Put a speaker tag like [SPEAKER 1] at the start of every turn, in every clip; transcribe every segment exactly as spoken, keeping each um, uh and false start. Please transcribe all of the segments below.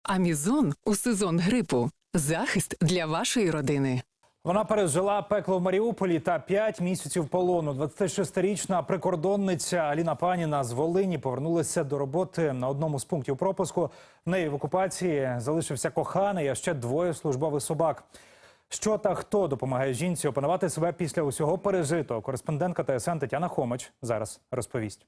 [SPEAKER 1] Амізон у сезон грипу. Захист для вашої родини.
[SPEAKER 2] Вона пережила пекло в Маріуполі та п'ять місяців полону. двадцятишестирічна прикордонниця Аліна Паніна з Волині повернулася до роботи на одному з пунктів пропуску. В неї в окупації залишився коханий, а ще двоє службових собак. Що та хто допомагає жінці опанувати себе після усього пережитого? Кореспондентка Т С Н Тетяна Хомич зараз розповість.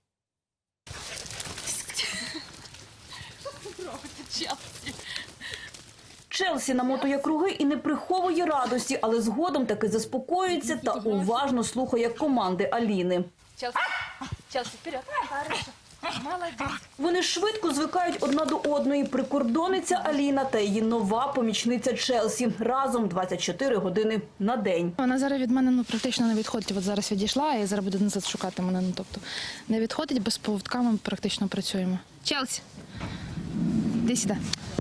[SPEAKER 3] Челсі намотує круги і не приховує радості, але згодом таки заспокоюється та уважно слухає команди Аліни.
[SPEAKER 4] Челсі, Челсі, вперед. Хорошо. Молодець.
[SPEAKER 3] Вони швидко звикають одна до одної. Прикордонниця Аліна та її нова помічниця Челсі. Разом двадцять чотири години на день.
[SPEAKER 5] Вона зараз від мене ну, практично не відходить. От зараз відійшла, і зараз буде назад шукати мене. Ну, тобто не відходить, без поводка ми практично працюємо. Челсі, іди сюди.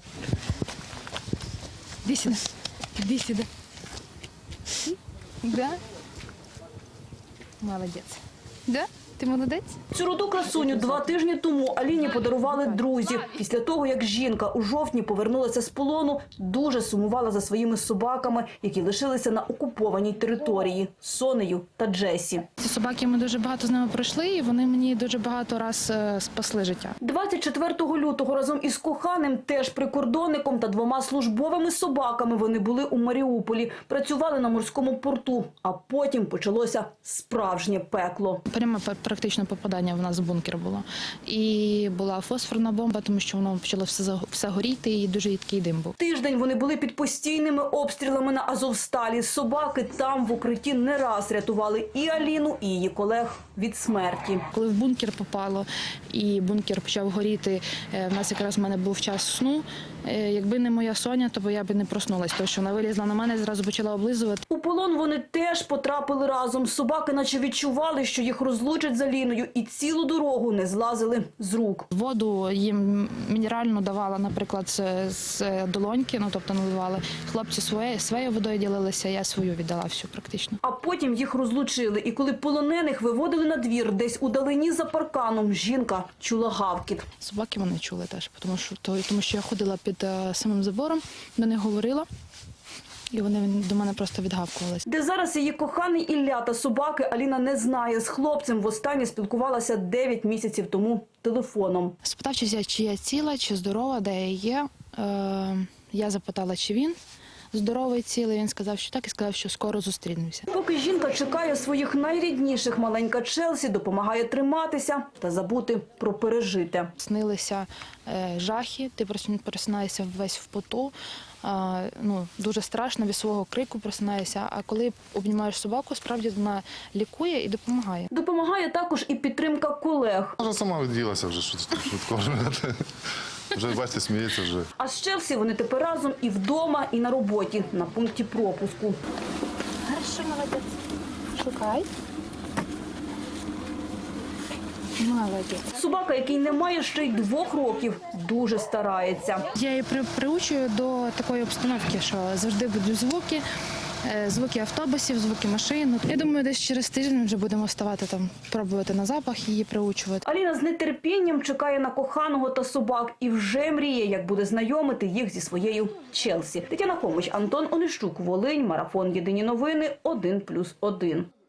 [SPEAKER 5] Іди сюди. Іди сюди. Да? Молодець. Да? Ти молодець?
[SPEAKER 3] Цю руду красуню два тижні тому Аліні подарували друзі. Після того, як жінка у жовтні повернулася з полону, дуже сумувала за своїми собаками, які лишилися на окупованій території – Сонею та Джесі.
[SPEAKER 5] Ці собаки, ми дуже багато з ними пройшли, і вони мені дуже багато раз е, спасли життя.
[SPEAKER 3] двадцять четвертого лютого разом із коханим, теж прикордонником та двома службовими собаками вони були у Маріуполі. Працювали на морському порту, а потім почалося справжнє пекло.
[SPEAKER 5] Пряме практично попадання в нас в бункер було. І була фосфорна бомба, тому що воно почало все, все горіти, і дуже їдкий дим був.
[SPEAKER 3] Тиждень вони були під постійними обстрілами на Азовсталі. Собаки там в укритті не раз рятували і Аліну, і її колег від смерті.
[SPEAKER 5] Коли в бункер попало і бункер почав горіти, в нас якраз в мене був час сну. Якби не моя Соня, то я б не проснулась, тому що вона вилізла на мене і зразу почала облизувати.
[SPEAKER 3] У полон вони теж потрапили разом. Собаки наче відчували, що їх розлучать з Аліною, і цілу дорогу не злазили з рук.
[SPEAKER 5] Воду їм мінеральну давала, наприклад, з, з долоньки, ну тобто наливали. Хлопці своє, своєю водою ділилися, я свою віддала всю практично.
[SPEAKER 3] А потім їх розлучили, і коли полонених виводили на двір, десь удалині за парканом, жінка чула гавкіт.
[SPEAKER 5] Собаки вони чули теж, тому що, тому що я ходила під самим забором, до них говорила, і вони до мене просто відгавкувалися.
[SPEAKER 3] Де зараз її коханий Ілля та собаки, Аліна не знає. З хлопцем востаннє спілкувалася дев'ять місяців тому телефоном.
[SPEAKER 5] Спитав, чи я, чи я ціла, чи здорова, де я є. Е, я запитала, чи він здоровий, цілий. Він сказав, що так, і сказав, що скоро зустрінемося.
[SPEAKER 3] Поки жінка чекає своїх найрідніших, маленька Челсі допомагає триматися та забути про пережите.
[SPEAKER 5] Снилися е, жахи, ти просинаєшся весь в поту, е, ну, дуже страшно, від свого крику просинаєшся, а коли обнімаєш собаку, справді вона лікує і допомагає.
[SPEAKER 3] Допомагає також і підтримка колег.
[SPEAKER 6] Вона сама відділася вже швидко. Вже, бачите, сміється вже.
[SPEAKER 3] А з Челсі вони тепер разом і вдома, і на роботі, на пункті пропуску.
[SPEAKER 5] Хорошо, молодець. Шукай. Молодець.
[SPEAKER 3] Собака, який не має ще й двох років, дуже старається.
[SPEAKER 5] Я її при, приучую до такої обстановки, що завжди будуть звуки, звуки автобусів, звуки машин. Я думаю, десь через тиждень вже будемо вставати там, пробувати на запах, її приучувати.
[SPEAKER 3] Аліна з нетерпінням чекає на коханого та собак і вже мріє, як буде знайомити їх зі своєю Челсі. Тетяна Хомич, Антон Онищук, Волинь, Марафон. Єдині новини, один плюс один.